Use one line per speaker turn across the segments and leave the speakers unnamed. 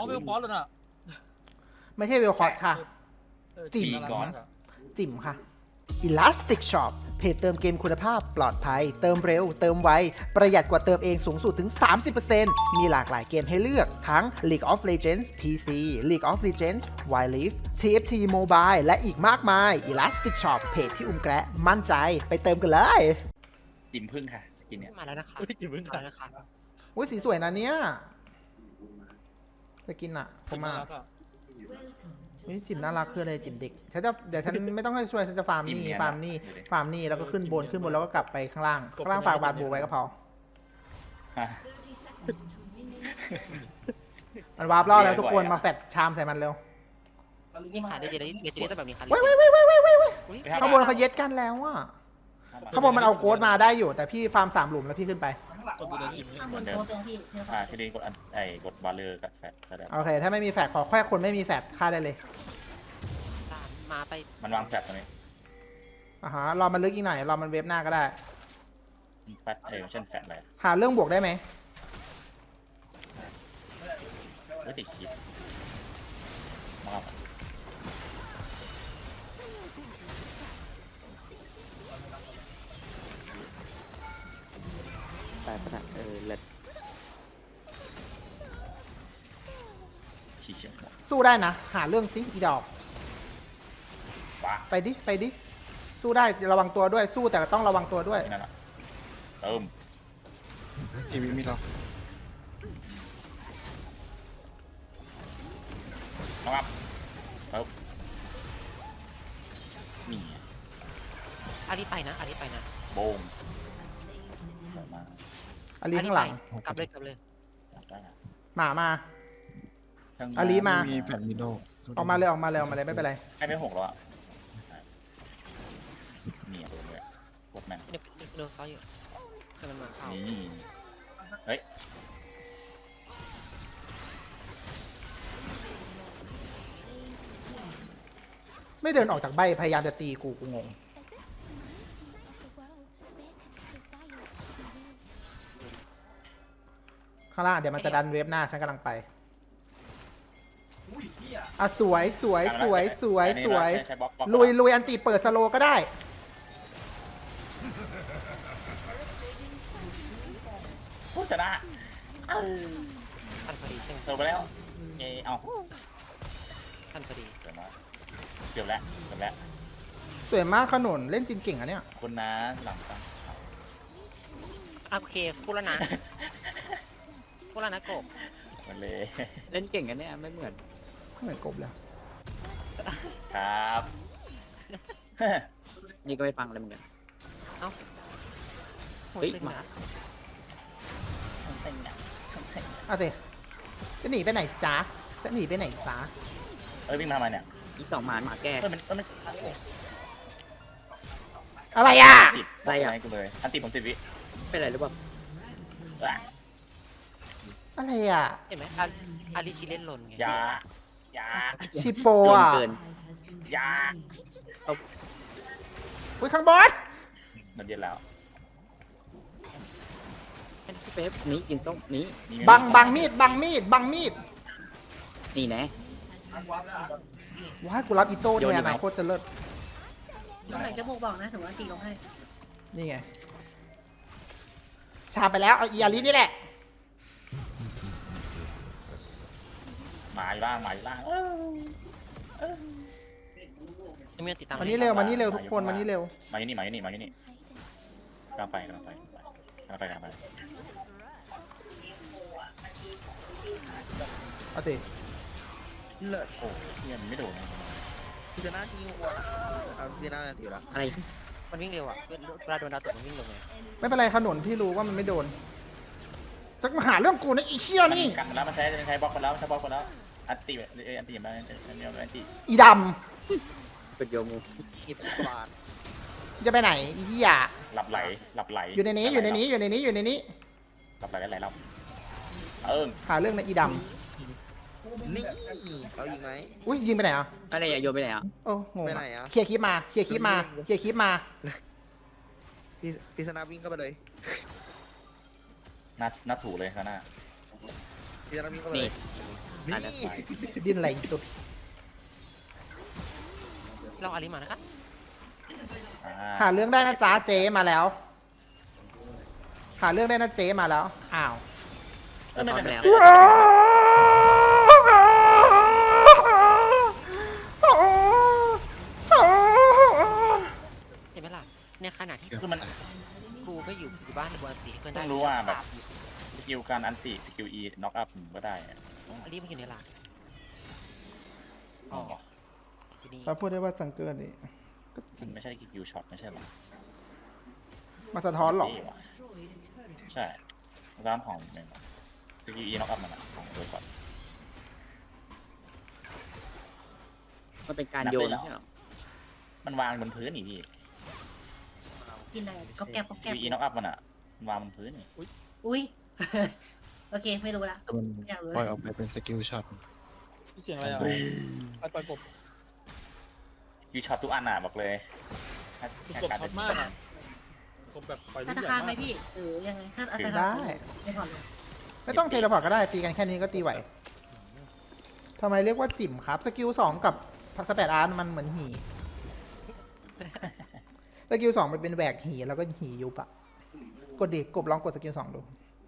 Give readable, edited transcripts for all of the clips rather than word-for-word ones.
เวลฟอสเลยน่ะ
ไม่ใช่เวลคอร์ดค่ะ จิ๋ม จิ๋มค่ะ Elastic Shop เพจเติมเกมคุณภาพปลอดภัย เติมเร็ว เติมไว ประหยัดกว่าเติมเองสูงสุดถึง 30% มีหลากหลายเกมให้เลือกทั้ง League of Legends PC League of Legends Wild Rift TFT Mobile และอีกมากมาย Elastic Shop เพจที่อุ้มแกะมั่นใจไปเติมกันเลย
จิ๋มพึ่งค่ะสกินเนี่ย
มาแล้วนะคะ
พี่กินพึ่ง
มา
ค่ะ
แล้วนะคะ
อุ้ยสีสวยนะเนี่ยจะกินอ่ะผมมานี่จิ๋มน่ารักคืออะไรจิ๋มเด็กฉันจะเดี๋ยวฉันไม่ต้องให้ช่วยฉันจะฟาร์มนี่ฟาร์มนี่ฟาร์มนี่แล้วก็ขึ้นบนแล้วก็กลับไปข้างล่างฝากบาดบูไว้ก็พอ
ฮะ
มันวาร์ปล่อแล้วทุกคนมาแฟดชามใส่มันเร็ว
นี่ค่ะเดี๋ยวจะได้แบบนี้ค่ะ
เว้ยข้างบนเขาเย็ดกันแล้วอ่ะข้างบนมันเอาโกดมาได้อยู่แต่พี่ฟาร์ม3 หลุมแล้วพี่ขึ้นไป
ตัวบูเดนจิม
ข้างบนโต๊ะตรงพี่เนี่ย
ทีนี้กดกดบาเลอร์กับแฟตก็ได้
โอเคถ้าไม่มีแฟดขอแค่คนไม่มีแฟดฆ่าได้เลย
มาไป
มันวางแฟตตรงนี้
อ่าฮะรอมันลึกอีกหน่อยรอมันเวฟหน้าก็ได้
แฟตเช่นแฟตอะไร
หาเรื่องบวกได้ไหม
ไม่ติดคิดมาครับ
ไปปะนะเลิศ
ชี้เฉียงหมด
สู้ได้นะ หาเรื่องซิอีดอก
ว้า
ไปดิสู้ได้ระวังตัวด้วยสู้แต่ต้องระวังตัวด้วย
ที่นั่นอ่ะเติม
ทีวีมีหรอ
มาครับเติมนี่
อารีไปนะอารีไปนะ
โบงสวยมาก
อาลีข้างหลัง
กลับเลย
ได้อะ
หมามา
ทั้ง
อาลีมา
มีแผ่นมิโด
ออกมาเลยไม่เป็นไร
ให้ไม่6แล้วอ่ะนี่โดนเลยกดแม่น
เดี๋ยวซ้อยอยู่กำลังมาเข้า
นี่เฮ้ย
ไม่เดินออกจากใบพยายามจะตีกูงงข้างล่างเดี๋ยวมันจะดันเวฟหน้าฉันกำลังไปอ่ะสวย
ใช้บล็อก
ลุยอันตีเปิดสโลก็ได้
ผู้ชนะ
ทันพอดีใช่ไหม
เติมไปแล้วเอา
ทันพอดี
เดี๋ยวนะเกือบแล้ว
สวยมากขนุนเล่นจินเก่งอะเนี่ย
คุณนะหลังกัน
โอเคพูดแล้วนะกบ
มันเลย
เล่นเก่งกันเนี่ยไม่เหมือน
ไม่เหมือนกบเลย
ครับ
นี่ก็ไม่ฟังเลยเหมือนกัน
โหดเลยนะ
เอาสิจะหนีไปไหนจ๊ะ
วิ่งมาทำไมเนี่ย
อีก2 หมาแก้
มัน
อะไรอ่ะ
ติดอะไรกูเลยอันติผม10 วิ
เป็นไรหรือเปล่า
อะไรอ่ะ
เห็นไหมอารีคิเล่นลนไง
ยา
ชิโป
โยน
อ่ะ
เกิน
ยา
อุ้ยข้างบน
มันเย็นแล้ว
พี่เป๊ปนี้กินต้มนี้
บังมีด
นี่แน่
ว้ายกูรับอีโต้เนี่ยนะโคตรจะเลิศ
ตรงไหนจะบอกนะถือว่าตีลงให้
นี่ไง ชาไปแล้ว เอาอีอารินี่แหละ
หมาอยู่ล่าง
ไม่ติดตาม
มานี่เร็วทุกคนมานี่เร็ว
มาอยู่นี่กำลังไป
เอาสิ
เลิศ
โอ้ยมันไม่โดน
พิจารณาที่หัวเอาพิจารณาถือละ
อะไร
มันวิ่งเร็วอ่ะเวลาโดนดาวตกมันวิ่งเร็วไง
ไม่เป็นไรขนุนพี่รู้ว่ามันไม่โดนจะมาหาเรื่องกูนะอีเชี่ยนี่
กันแล้วมันใช้บล็อกไปแล้วอันติมาอันติ
อีด
เป็นโยมู
คิดบาท
ำจะไปไหนอีเหี้ย
หลับไหล
อยู่ในนี้
หลับไหลแล้วเรา
หาเรื่องนะอีด
นี่เอาอีกไหม
ำอุ้ยยิงไปไหนอ่ะ
อะไรอย่าโยนไปไหนอ่ะ
โอ้งง
ไปไหนอ่ะ
เคลียร์คลิปมา
พิจารณาวิ่งเข้าไปเลย
หน้าถูเลยข้างหน้า
พิจารณาวิ่งเข้าไปเลย
ตายแล้ว
ดิ้นอะไรอีกตุ๊ด
เราอาริมานะครับ
หาเรื่องได้นะจ๊ะเจ๊มาแล้ว หาเรื่องได้นะเจ๊มาแล้วอ้าว
พร้อมแล้ว
เห็นไหมล่ะในขณะที่
คือมัน
กูไม่อยู่บ้านในบัวตีเพื่อน
ต้
ได้
องรู้ว่าแบบ สกิลการอันติสกิล E น็อกอัพก็ได้อะ
อาริมันอยู่ในหลัก
อ๋อ
ทีนี้
ถ้าพูดได้ว่าจังเกิลนี่
มันไม่ใช่สกิลช็อตไม่ใช่หรอ
มาสะท้อนหรอ
ใช่ร้านของเนี่ยสกิล E น็อกอัพมันอะของโดยก่อน
มันเป็นการโยนใช่ไหม
มันวางบนพื้นนี่พี่
กินอะไรก็แกบก็
ส
แกบ
กิล E น็อกอัพมันอะวางบนพื้นนี่
อุ้ย โอเคไม่รู้ละ
แต่มัน
อยากรู้
ปล่อยออกไปเป็นสกิลช็อต
เสียงอะไรอ่ะไปกบ
ยูช็อตทุกอันอะบอกเลย
กบช็อตมากอ่ะกบแบบปล่อยลู
ถ้าก
ใหญ่
ทางไหม
มาก
พี่หรือยังไงถ้าอัตรา
ได้
ไม่ผ่อนเลย
ไม่ต้องเทเลพอร์ตก็ได้ตีกันแค่นี้ก็ตีไหวทำไมเรียกว่าจิ๋มครับสกิล2กับสเปดอาร์ตมันเหมือนหีสกิล2มันเป็นแหวกหีแล้วก็หียุบอะกดดิกบลองกดสกิล2ดู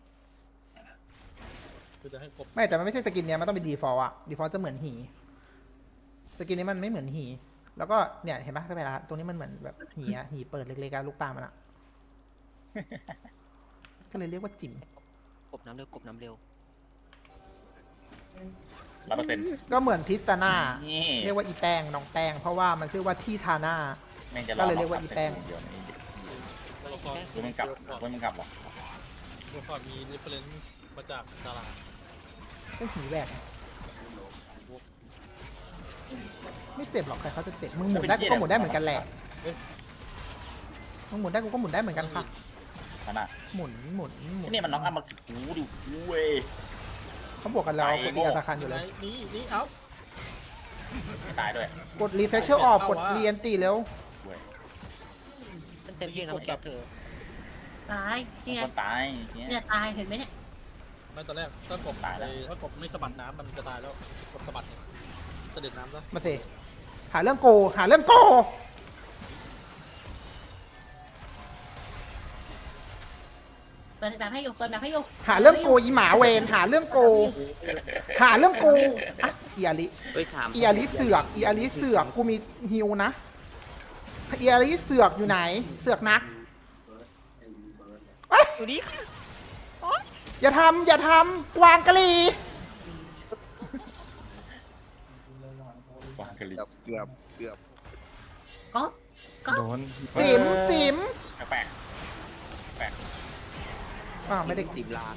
คือจะให้กบ
ไม่แต่มันไม่ใช่สกินเนี้ยมันต้องเป็นดีฟอลต์อะดีฟอลต์จะเหมือนหีสกินนี้มันไม่เหมือนหีแล้วก็เนี่ยเห็นปะสเปดอาร์ตตรงนี้มันเหมือนแบบหีอะหีเปิดเล็กๆอะลูกตามันอะก็เลยเรียกว่าจิ๋ม
กบน้ำเร็วกบน้ำเร็ว
100%
ก็เหมือนทิสตาน่า
นี่
เรียกว่าอีแป้งน้องแป้งเพราะว่ามันชื่อว่าที่ทาน่า
แม่งจะ
ก็เลยเรียกว่าอีแป้ง
เดี๋ยวนี้
ตัวละคร
คือมันกลับมันกลับหรอ
ตัวละครมี reference มาจากตลาด
ก็หีแหวกไม่เจ็บหรอกใครเขาจะเจ็บมึงหมุนได้กูก็หมุนได้เหมือนกันแหละมึงหมุนได้กูก็หมุนได้เหมือนกันค่ะ
ขนาด
หมุนหมุนหมุน
นี่มันน็อกอัพมาหูดิเว้ย
เขาบวกกันแล้วกูตีอัตราคันอยู่เลย
นี่เอ้า
ไม่ตายด้วย
กดรีเฟชเชอร์ออกกดเรียนตีแล้ว
เว้ย
มันเต็มที่นะมันแกเธอ
ตายนี่ไง
คนตายเนี่ย
เนี่ยตายเห็นไหมเนี่ย
ไม่ตอนแรกถ้ากบ
ตายแล้ว
ถ้ากบไม่สะบัดน้ำมันจะตายแล้วกบสะบัดเนี่ยเสด็จน้ำซะ
มาสิหาเรื่องโกหาเรื่องโก
เปิดแบบให้อยู่เปิดแบบให้อยู่
หาเรื่องโกอีหมาเวนหาเรื่องโก หาเรื่องโกอ่ะอีอาลิ
เฮ้ยถาม
อีอาลิเสือกอีอาลิเสือกกูมีฮิวนะอีอาลิเสือกอยู่ไหน เสือกนักเอ้ย
อยู่นี่ค่ะ
อย่าทำอย่าทำวางกะลี
วางกะลิ
เกือบ
ก็ก็
โดน
จิ๋มจิ๋ม
แปลก
อ้าวไม่ได้
จิบลา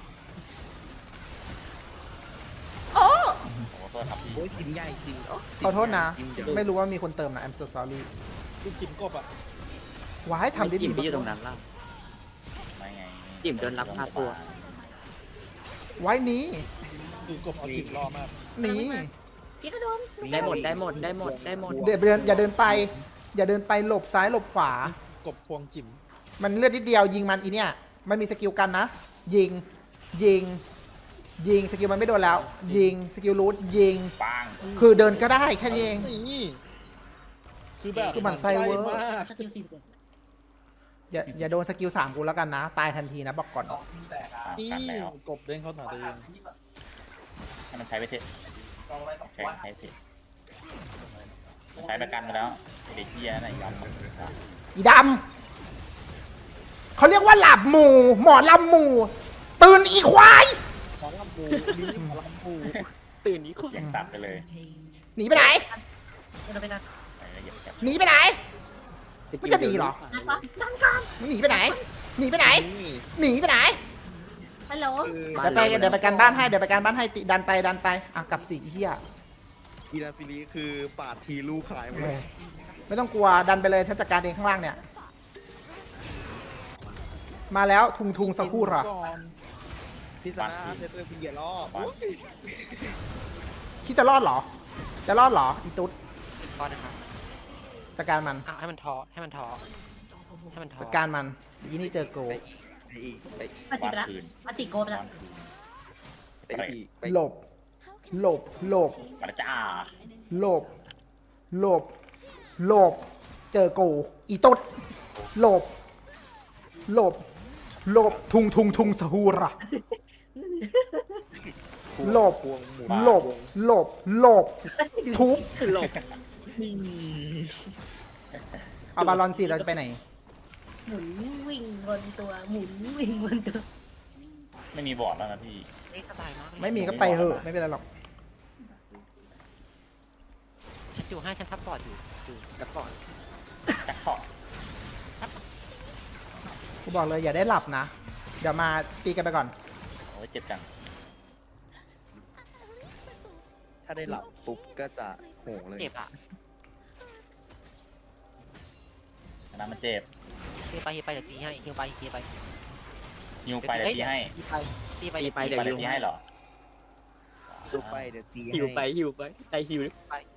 โอ้
โอ้โหโทษครับพี่
โอ้ยจิมใหญ่จิม
ขอโทษนะ ไม่รู้ว่ามีคนเติมนะ I'm so sorry
ลูกจิมกบอ่ะ
ว้ายทำได้ดี
จิ้มไปอยู่ตรงนั้นล่ะ
ไม่ไง
จิ้มโดนลักพาตัว
ไว้นี้
คือกบเอาจิมรอมาก
หนี้
พี่กระโดม
ได้หมดได้หมดได้หมดได้หมด
เดี๋ยวเดินอย่าเดินไป อย่าเดินไปหลบซ้ายหลบขวา
กบควงจิม
มันเลือดนิดเดียวยิงมันอีเนี่ย มันมีสกิลกันนะ ยิง ยิง ยิงสกิลมันไม่โดนแล้ว ยิงสกิลรูทยิง
ปัง
คือเดินก็ได้แค่นี้เอง
นี่คือแบบ
คือหมั่นไส้เวอร์
มาก
สกิล40
อย่าโดนสกิล3กูแล้วกันนะ ตายทันทีนะบอกก่อน
นี่
กันแล้ว
กบเด้งเข้าหาตัวเอง
ให้มันใช้ไปเถอะใช้เถอะใช้ประกันมาแล้วเด็กเหี้ยไหนยอมมัน
อีดำเขาเรียกว่าหลับหมู่ หมอลำหมู่ ตื่นอีควาย
หมอลำปูลิ้นหมอลำปู
ตื่นนี้คน
เสียงตัดไปเลย
หนีไปไหน
เราไปกัน
ไปละเอียดจัด
หนีไปไหน มันจะหนีเหรอ
นะครับดังกัน
มึงหนีไปไหน หนีไปไหน
นี่
หนีไปไหน
ฮัลโหล
คือ
เดี๋ยวไปการบ้านให้ เดี๋ยวไปการบ้านให้ติดันไปอ่ะกลับสิเฮีย
กีฬาฟิลีคือปาดทีลูกขายหมด
เออไม่ต้องกลัวดันไปเลยฉันจัดการเองข้างล่างเนี่ย มาแล้วทุงสักครู่หรอ
ก่อนพิซซ่าเซตเตอร์พิงเกียร์ล่อ
คิดจะรอดเหรอ จะรอดเหรอ อีตุ๊ด
ก็นะครับ
จัดการมัน
ให้มันท้อให้มันท้อให้มันท้อ
จัดการมันอีนี่เจอโก
ไปอีก
ปฏิไปละปฏิโกไปละ
วันคืน
ไปอีกไป
หลบหลบหลบ
มาแล้วจ้า
หลบหลบหลบเจอกูอีตุ๊ดหลบหลบหลบทุงสหูระหลบ
พวงหมุน
หลบหลบหลบทุบ
หลบ
เอาบาลอนสิเราจะไปไหน
หมุนวิ่งบนตัวหมุนวิ่งบนตัว
ไม่มีบอร์ดแล้วนะพี่
นี่สบายมากเลย
ไม่มีก็ไปเถอะไม่เป็นไรหรอก
ฉันอยู่ให้ฉันซัพพอร์ตอยู่ซัพพอร์ต
จักพอ
กูบอกเลยอย่าได้หลับนะ เดี๋ยวมาตีกันไปก่อน
โอ้ยเจ็บจัง
ถ้าได้หลับปุ๊บก็จะโหงเลย
เจ็บอ่ะ
อันนั้นมันเจ็บ
ฮิวไปเดี๋ยวตีให้ฮิวไปฮิวไป
ยิวไปเดี๋ยวตีให้
ตีไป
ตีไป
ตี
เดี๋ยว
ไปเดี๋ยวตีให้เหรอ
ดูไปเดี๋ยวตี
หิวไป
ให้
หิวไปได้หิว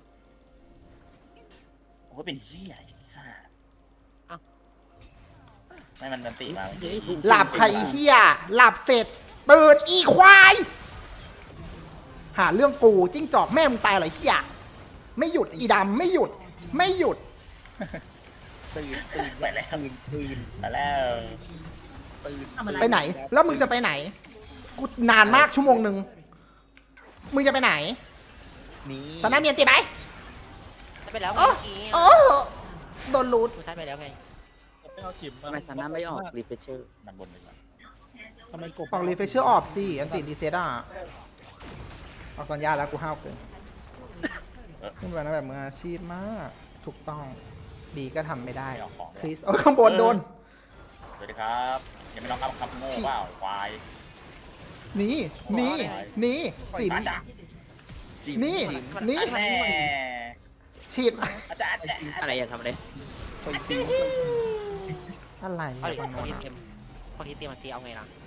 โอ้ยเป็นเหี้ยไอ้สัสไม่มันตีมา
หลับใครเฮียหลับเสร็จตื่นอีควาย หาเรื่องกูจิ้งจอกแม่มึงตายเหรอเฮียไม่หยุดอีดำไม่หยุดไม่หยุด
ตื่น
ไปแล้ว
ตื่น
ไปแล้ว
ตื่น
ทำอะไร
ไปไหน แล้วมึงจะไปไหน กูนานมากชั่วโมงหนึ่งมึงจะไปไหน
นี่
สนาเมียนตีไหม
ใช้ไปแล้ว
โอ้
เมื่อกี้
โอ้โดนรูด
กูใช้ไปแล้วไง
ไม่เอาจิ๋ม
ทำไมซาน่าไม่ออกรีเฟชเชอร์
มันบนไปก่อน
ทำไมกบ
ออกรีเฟชเชอร์ออฟสิอันติดีเซต้าออกตอนยาแล้วกูห้าวเกินขึ้นไปนะแบบมืออาชีพมากถูกต้องบีก็ทำไม่ได้
ไม่ออกของ
คริสเออข้างบนโดน
สวัสดีครับยังไม่ลองคำโง่เปล่าควาย
นี่นี่นี่จิ๋ม
อาจารย์
จิ๋ม
นี่
จิ๋ม
นี่
แม่
ฉีด
อาจารย์
อะไรอย่าทำอะไร
คนจิ๋ม
อะไร
เอาดิ
บาง
คน
โน้น
ที่
อะ
เตรียมคนที่เตรียมมาตีเอาไงล่ะ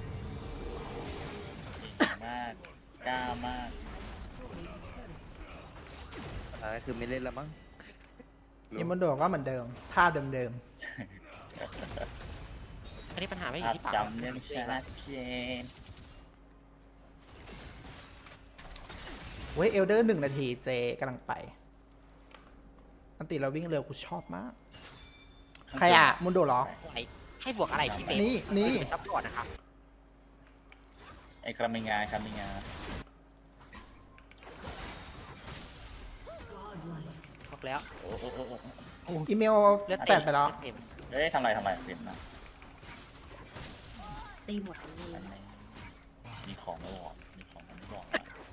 มากกล้ามาก
อะไรคือไม่เล่นแล้วมั้ง
ยิมบนโดดก็เหมือนเดิมท่าเดิม
อันนี้ปัญหาไม่อยู่
ภาพ
ที่ปาก
จำเนี่ยชัดเจน
ๆเว้ยเอลเดอร์1 นาทีเจกำลังไปอันติเราวิ่งเร็วกูชอบมาก ใครอ่ะมุนโดเหรอ
ให้บวกอะไรพี่เบส
นี่
เป็นซัพพอร์ตนะครับ
ไอ้คามิงาคามิงา
บอกแล้ว
โอ้โอ้โอ้โอ้
อีเมล
เลือด
แปดไปแล้ว
เต็ม
เฮ้ยทำไรเปลี่ยนนะ
ตีหมดเลย
มีของไม่บอกมีของไม่บอก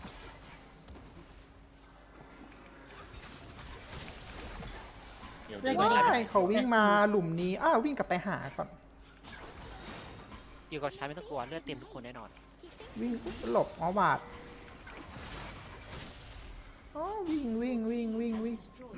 เดี๋ยว
ว้ายเขาวิ่งมาหลุมนี้อ้าววิ่งกลับไปหาก่อน
อยู่กับใช้ไม่ต้องกลัวเลือดเต็มทุกคนแน่นอน
วิ่งหลบอ๋อบาดอ๋อวิ่ง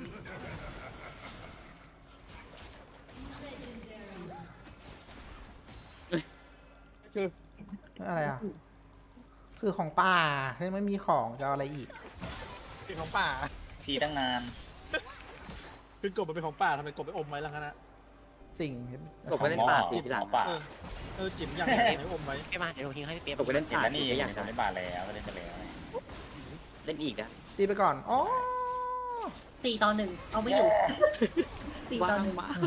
คือ
อะไรอ่ะ คือของป่าเฮ้ยไม่มีของจะเอาอะไรอีก
เป็นของป่า
พี่ตั้งนาน
คือกบมันเป็นของป่าทำไมกบไปอมไว้ล่ะคะนะ
สิ่ง
กบไปเล่นป่าตีทีหลัง
ป่า
จิ๋มอย่างไรให้อมไว้
ไม่มาเดี๋ยวทิ้งให้พี่เป๊ป
กบไปเล่น
เห็น
ป่า
แล้ว
ตี
นี่
ก็อย่าง
ทำได้บาแล้วก็เล่นไปแล้ว
เล่นอีกนะ
ตีไปก่อนอ๋อ
4-1เอาไม่อยู่
ว้าง
4-1
มาก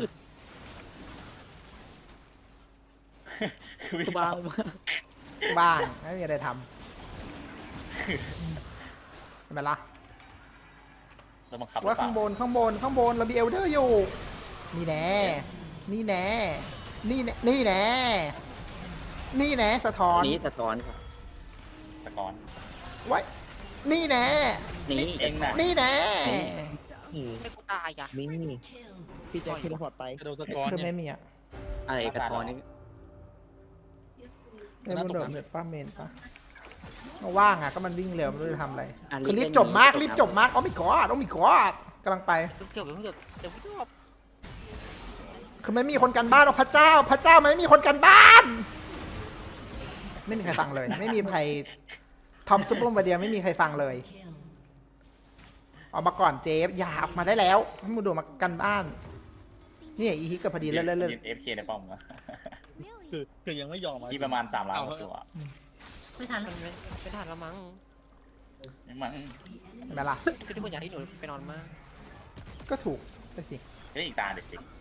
ว้างมาก
บ้างไม่มีอะไรทำเห็นไหมล่ะ
แล้วบังคับ
ว่าข้างบนเรามีเอลเดอร์อยู่ นี่แน่นี่แน่สะท้อน
นี้สะท้อนครับ
สกอน
ไว้นี่แน่
นี้
เองน่ะ
นี่แน่
ไม่กูตายอ่ะ
นี่พี่แจ็คเทเลพอร์ตไปกระโดดสกอร์
คือ
เนี่
ไม่
ย
มีอ่ะ
อะไรกระท้อนนี่
ในบนโดดแบบป้าเมนปะว่างอ่ะก็มันวิ่งเร็วไม่รู้จะทำอะไร
อ่ะ
คือรีบจบมากโอ้ไม่กอดกำลังไป
เดี๋ยวเดี๋ยวพี่จบ
คือไม่มีคนกันบ้านพระเจ้ามันไม่มีคนกันบ้าน ไม่มีใครฟังเลย ไม่มีใครทอมซุปเปอร์มาเดียไม่มีใครฟังเลยออกมาก่อนเจฟอย่าออกมาได้แล้วให้มึงดูมากันบ้านนี่อีฮิกกับพอดีเล่น
เอฟเคในป้อมอะ
คือยังไม่ยอม
ที่ประมาณ3 ล้านตัว
ไม่ทัน
มันไม่ทันแล้วมั้ง
มัน
เห็นไหมล่ะ
คือทุกคนอยากให้หนูไปนอนมาก
ก็ถูกไปสิ
เฮ้ยอีกตาเด็ก